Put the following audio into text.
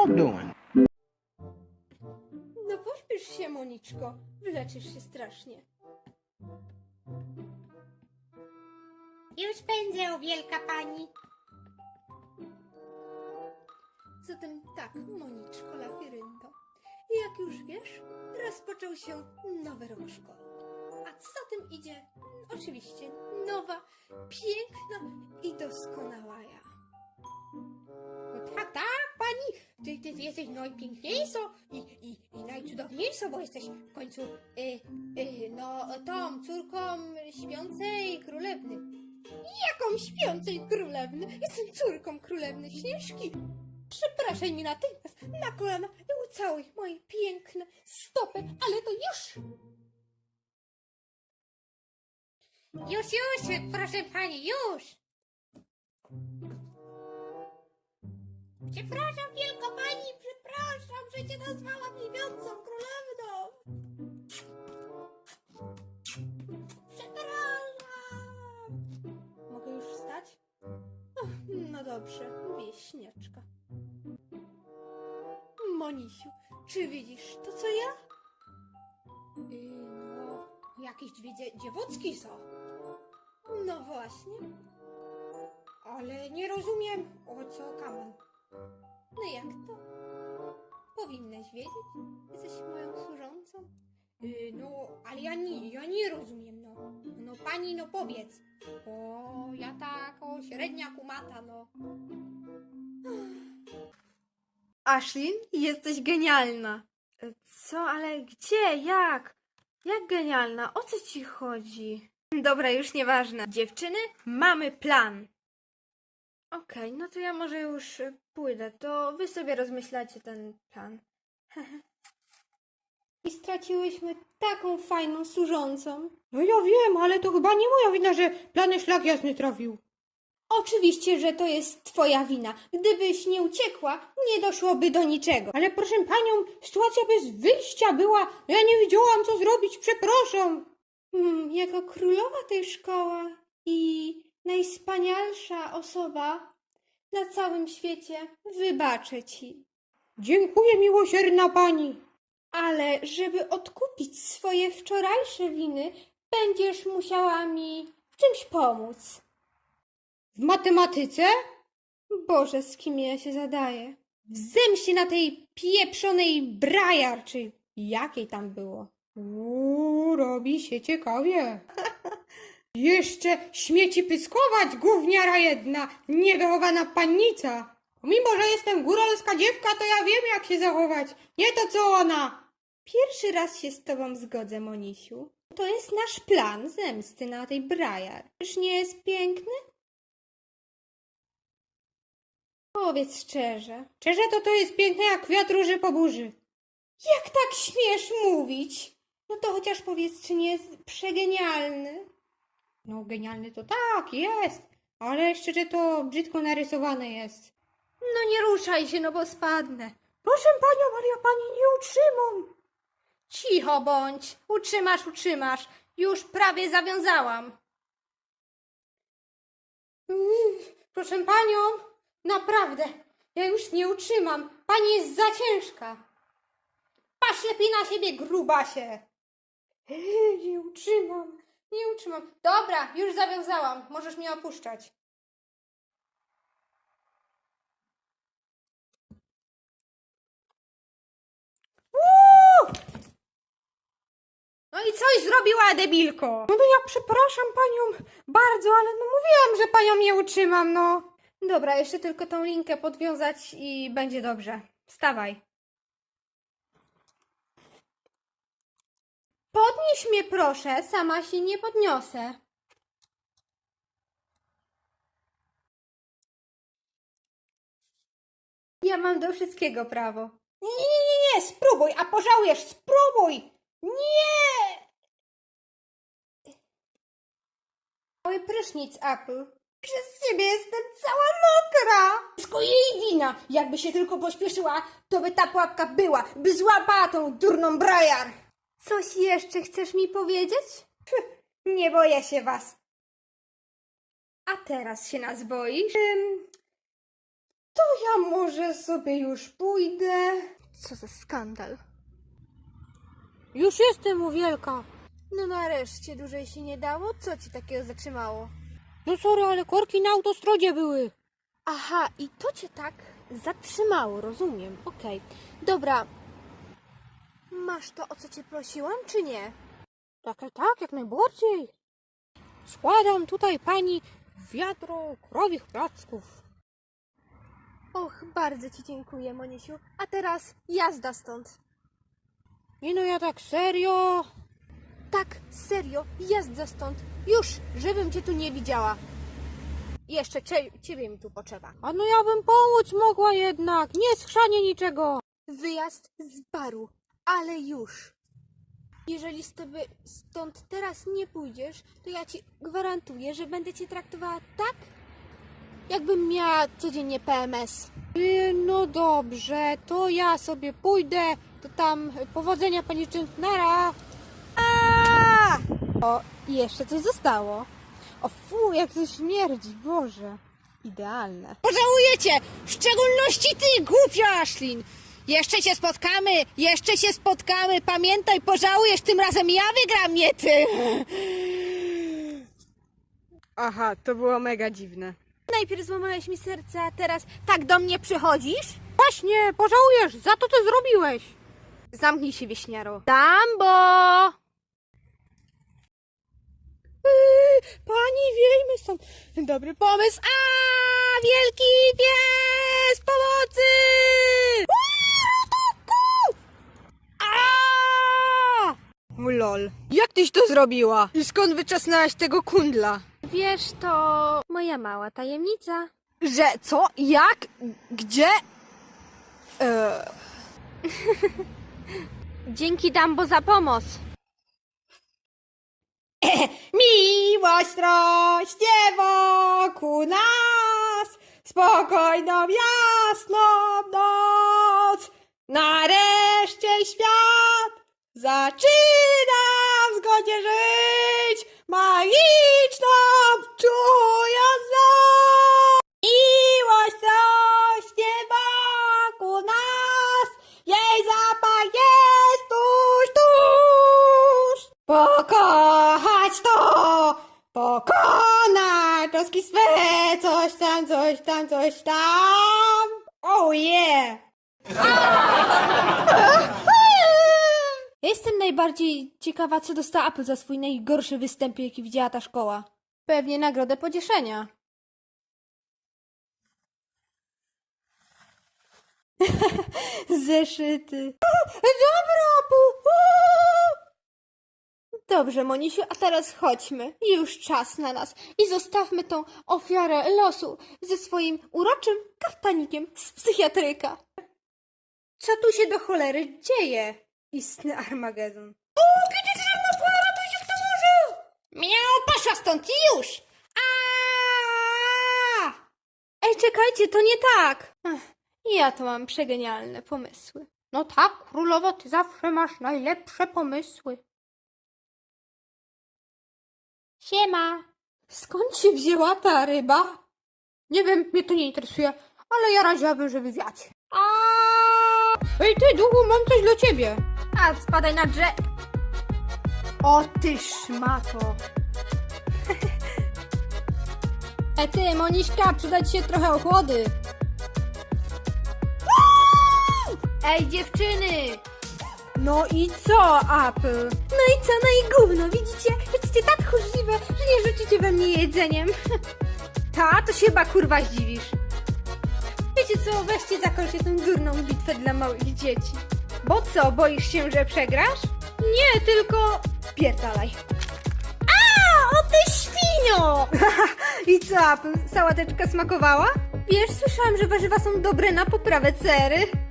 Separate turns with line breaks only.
y'all doing?
No pośpiesz się, Moniczko. Wyleczysz się strasznie.
Już pędzę, o wielka pani.
Zatem tak, Moniczko Lafirynto. Jak już wiesz, rozpoczął się nowy rok szkolny. A co za tym idzie? Oczywiście nowa, piękna i doskonała ja.
No tak, pani, ty jesteś najpiękniejsza i najcudowniejsza, bo jesteś w końcu, tą córką śpiącej królewny.
Jaką śpiącej królewny? Jestem córką królewny Śnieżki. Przepraszaj mi natychmiast na kolana i ucałuj moje piękne stopy, ale to już!
Już, proszę pani, już. Przepraszam, wielka pani, przepraszam, że cię nazwałam niewiącą królewną. Przepraszam.
Mogę już wstać? Och, no dobrze, wieśniaczka. Monisiu, czy widzisz to, co ja?
No, jakieś dwie dziewucki są,
No właśnie.
ale nie rozumiem, o co kaman.
No jak to? Powinnaś wiedzieć. Jesteś moją służącą.
No, ale ja nie rozumiem, no. No pani, no powiedz, bo ja tak o średnia kumata, no.
Ashlyn, jesteś genialna. Co, ale gdzie, jak? Jak genialna? O co ci chodzi? Dobra, już nieważne. Dziewczyny, mamy plan. Okej, no to ja może już pójdę. To wy sobie rozmyślacie ten plan. I straciłyśmy taką fajną służącą.
No ja wiem, ale to chyba nie moja wina, że plany szlak jasny trafił.
Oczywiście, że to jest twoja wina. Gdybyś nie uciekła, nie doszłoby do niczego.
Ale proszę panią, sytuacja bez wyjścia była. No ja nie wiedziałam, co zrobić, przepraszam.
Jako królowa tej szkoły i najwspanialsza osoba na całym świecie, wybaczę ci.
Dziękuję, miłosierna pani.
Ale żeby odkupić swoje wczorajsze winy, będziesz musiała mi w czymś pomóc.
W matematyce?
Boże, z kim ja się zadaję? W zemście na tej pieprzonej Briar, czy jakiej tam było.
Robi się ciekawie. Jeszcze śmieci pyskować, gówniara jedna, niewychowana pannica. Mimo, że jestem góralska dziewka, to ja wiem, jak się zachować. Nie to, co ona.
Pierwszy raz się z tobą zgodzę, Monisiu. To jest nasz plan zemsty na tej Briar. Czyż nie jest piękny? Powiedz szczerze.
Szczerze, to jest piękne jak kwiat róży po burzy.
Jak tak śmiesz mówić? No to chociaż powiedz, czy nie jest przegenialny?
No, genialny to tak, jest. Ale szczerze, to brzydko narysowane jest.
No nie ruszaj się, no bo spadnę.
Proszę panią, ale ja pani nie utrzymam.
Cicho bądź. Utrzymasz. Już prawie zawiązałam.
Proszę panią, naprawdę, ja już nie utrzymam. Pani jest za ciężka.
Patrz lepiej na siebie, grubasie.
Nie utrzymam.
Nie utrzymam. Dobra, już zawiązałam. Możesz mnie opuszczać. No i coś zrobiła, debilko.
No to ja przepraszam panią bardzo, ale no mówiłam, że panią nie utrzymam, no.
Dobra, jeszcze tylko tą linkę podwiązać i będzie dobrze. Wstawaj. Podnieś mnie proszę, sama się nie podniosę. Ja mam do wszystkiego prawo.
Nie, spróbuj, a pożałujesz, spróbuj. Nie!
Cały prysznic, Apple. Przez ciebie jestem cała mokra.
Wszystko jej wina. Jakby się tylko pośpieszyła, to by ta pułapka była, by złapała tą durną Briar.
Coś jeszcze chcesz mi powiedzieć?
Nie boję się was.
A teraz się nas boisz?
To ja może sobie już pójdę.
Co za skandal.
Już jestem u Wielka.
No nareszcie, dłużej się nie dało? Co ci takiego zatrzymało?
No sorry, ale korki na autostradzie były.
Aha, i to cię tak zatrzymało, rozumiem. Okej. Dobra. Masz to, o co cię prosiłam, czy nie?
Tak, jak najbardziej. Składam tutaj pani wiadro krowich placków.
Och, bardzo ci dziękuję, Monisiu. A teraz jazda stąd.
Nie no, ja tak serio.
Tak, serio, jazda stąd. Już, żebym cię tu nie widziała. Jeszcze ciebie mi tu potrzeba.
A no ja bym pomóc mogła jednak. Nie schrzanie niczego.
Wyjazd z baru, ale już. Jeżeli stąd teraz nie pójdziesz, to ja ci gwarantuję, że będę cię traktowała tak, jakbym miała codziennie PMS.
No dobrze, to ja sobie pójdę. To tam powodzenia pani Czentnara.
O, i jeszcze coś zostało. O fu, jak to śmierdzi, Boże. Idealne.
Pożałujecie! W szczególności ty, głupia Ashlyn! Jeszcze się spotkamy, pamiętaj, pożałujesz, tym razem ja wygram, nie ty!
Aha, to było mega dziwne.
Najpierw złamałeś mi serce, a teraz tak do mnie przychodzisz?
Właśnie, pożałujesz, za to co zrobiłeś!
Zamknij się, wieśniaro. Dambo!
Pani, wiejmy stąd. Dobry pomysł. A, wielki pies pomocy! A!
Lol. Jak tyś to zrobiła? I skąd wyczesnałaś tego kundla?
Wiesz, to moja mała tajemnica.
Że co? Jak? Gdzie?
Dzięki, Dambo, za pomoc.
Miłość rośnie wokół nas, spokojną, jasną noc. Nareszcie świat zaczyna w zgodzie żyć, magiczną czując noc. Miłość rośnie wokół nas, jej zapach jest tuż, tuż. Pokochać to, pokonać troski swe, coś tam, coś tam, coś tam. Oh yeah!
Ja jestem najbardziej ciekawa, co dostała Apple za swój najgorszy występ, jaki widziała ta szkoła. Pewnie nagrodę pocieszenia. Zeszyty. Dobra, Dobrze, Monisiu, a teraz chodźmy. Już czas na nas. I zostawmy tą ofiarę losu ze swoim uroczym kaftanikiem z psychiatryka. Co tu się do cholery dzieje? Istny Armagedon.
Miał, poszła stąd już!
Ej, czekajcie, to nie tak. Ja to mam przegenialne pomysły.
No tak, królowo, ty zawsze masz najlepsze pomysły. Siema.
Skąd się wzięła ta ryba?
Nie wiem, mnie to nie interesuje, ale ja radziłabym, żeby wiać. Ej ty, duchu, mam coś dla ciebie.
A, spadaj na drzew. O ty szmato.
Ty, Moniśka, przyda ci się trochę ochłody.
Ej, dziewczyny! No i co, Apple? No i co, no i gówno, widzicie? Jesteście tak tchórzliwe, że nie rzucicie we mnie jedzeniem. Ta, to się chyba kurwa zdziwisz. Wiecie co, weźcie zakończcie tę durną bitwę dla małych dzieci. Bo co, boisz się, że przegrasz? Nie, tylko spierdalaj. A, o ty świnio! I co, Apple, sałateczka smakowała? Wiesz, słyszałam, że warzywa są dobre na poprawę cery.